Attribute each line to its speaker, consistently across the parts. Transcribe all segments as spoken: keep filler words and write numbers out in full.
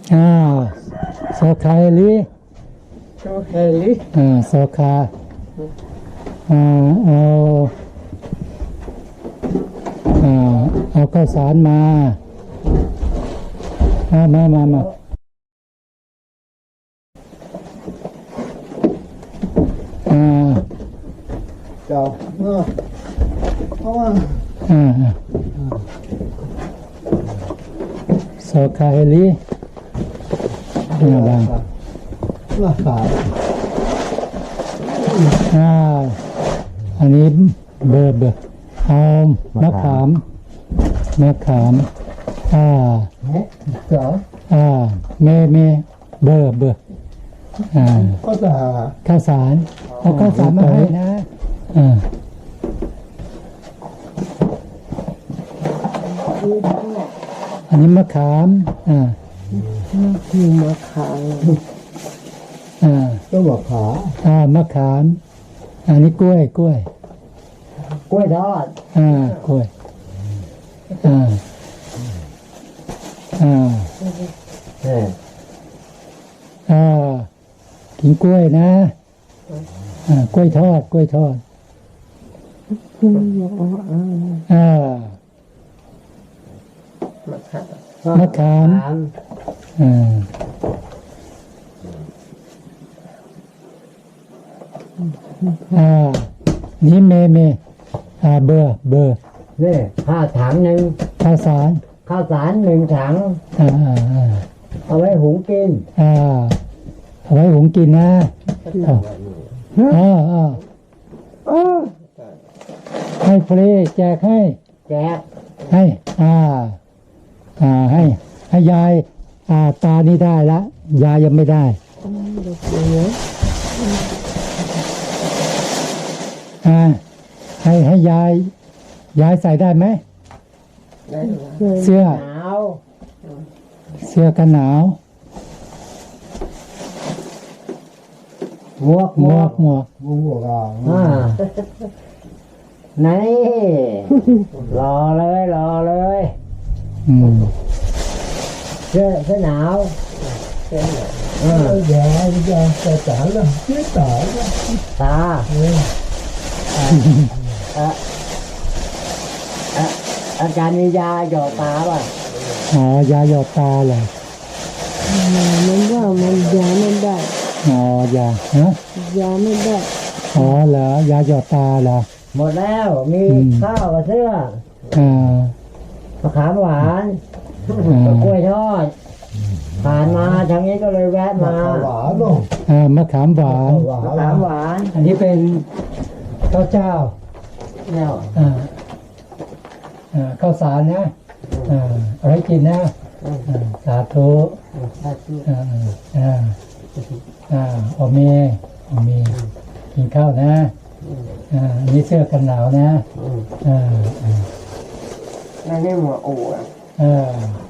Speaker 1: อ้าวโซคาเฮลิ
Speaker 2: โซเฮลิ
Speaker 1: อ่าโซคาอ่าเอาอ่าเอาข้าวสารมามามามามาอ่า
Speaker 2: เจ้าเออเพราะว่า
Speaker 1: อ่าโซคาเฮลิอ่าบาง
Speaker 2: ราคา
Speaker 1: อ่าอันนี้เบอร์เบอร์เอามะขามมะขามอ่า
Speaker 2: เฮ้เจ้า
Speaker 1: อ่าเมเมเบอร์เบอร์อ่า
Speaker 2: ก็จะ
Speaker 1: ข้าวสารเอาข้าวสารมาให้นะอ่าอันนี้มะขามอ่า
Speaker 2: คือมะขาม
Speaker 1: อ่า
Speaker 2: ก็มะขาม
Speaker 1: อ่ามะขามอันนี้กล้วยกล้วย
Speaker 2: กล้วยทอด
Speaker 1: อ่ากล้วยอ่าอ่า
Speaker 2: เออ
Speaker 1: อ่ากินกล้วยนะอ่ากล้วยทอดกล้วยทอดอ่ามะขามอ่าอ่านี่เมเมอ่าเบอร์เบอร์
Speaker 2: นี่ข้าวถังหนึ่ง
Speaker 1: ข้าวสาร
Speaker 2: ข้าวสารหนึ่งถัง
Speaker 1: อ่าอ่าอ่า
Speaker 2: เอาไว้หุงกิน
Speaker 1: อ่าเอาไว้หุงกินนะอ่าอ่าอ่า
Speaker 2: เออ
Speaker 1: ให้ฟรีแจกให้
Speaker 2: แจก
Speaker 1: ให้อ่าอ่าให้ให้ยายอ่าตานี่ได้ละยายยังไม่ได้อ่าให้ให้ยายยายใส่ได้ไหมเสื้อ
Speaker 2: หนาว
Speaker 1: เสื้อกันหนาว
Speaker 2: หมวก
Speaker 1: หมวกหมวก
Speaker 2: หมวกอ่าไหนรอเลยรอเลย
Speaker 1: อืม
Speaker 2: เสื้อเสื้อหนาวเออแย่แย่แต่ตาละเสื้อตาตาเอออ่ะอ่ะอาจารย์มียาหยอดตาป่ะ
Speaker 1: อ๋อยาหยอดตาเหรอ
Speaker 3: มันว่ามันยาไม่ได้
Speaker 1: อ๋อยาฮะ
Speaker 3: ยาไม่ได้
Speaker 1: อ๋อเหรอยาหยอดตาเหรอ
Speaker 2: หมดแล้วมี
Speaker 1: อืม
Speaker 2: ข้าวกับเสื้อ
Speaker 1: อ่าม
Speaker 2: ะขามหวาน
Speaker 1: อ่า
Speaker 2: กับกล้วยทอดผ่านมาทางนี้ก็เลยแวะมา
Speaker 4: หวานเนาะ
Speaker 1: อ่ามะขามหวาน
Speaker 4: หวาน
Speaker 2: มะขามหวาน
Speaker 1: อันนี้เป็นข้าวเจ้า
Speaker 2: เนี่ย
Speaker 1: อ่าอ่าข้าวสารนะอ่าเอาไว้กินนะอ่าสาธุอ่าอ่าอ่าโอเมโอเมกินข้าวนะอ่าอันนี้เสื้อกันหนาวนะอ่าอ่า
Speaker 2: นั่นนี่หมวกอู่อะ
Speaker 1: อ่า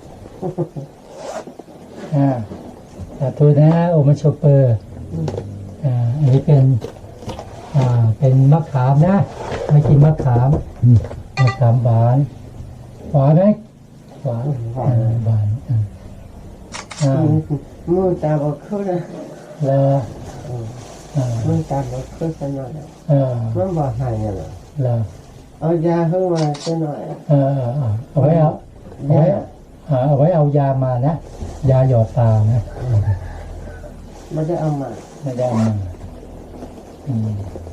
Speaker 1: อ่าสาธุนะโอมาโชเปอร์อ่าอันนี้เป็นอ่าเป็นมะขามนะไม่กินมะขามมะขามหวานหวานไหมหวานอ่าหวานอ่าอ่า
Speaker 2: มือตาบอดขึ้นนะ
Speaker 1: แล้วอ่า
Speaker 2: มือตาบอดขึ้นสักหน่อย
Speaker 1: เออ
Speaker 2: มันบอกหายเหรอ
Speaker 1: แล้ว
Speaker 2: เอายาขึ้นมาสักหน่อย
Speaker 1: เออเออเออเอาไว้เอาเอาไว้อ่าเอาไว้เอายามานะยาหยอดตานะ
Speaker 2: ไม่ได้เอามา
Speaker 1: ไม่ได้เอามาอืม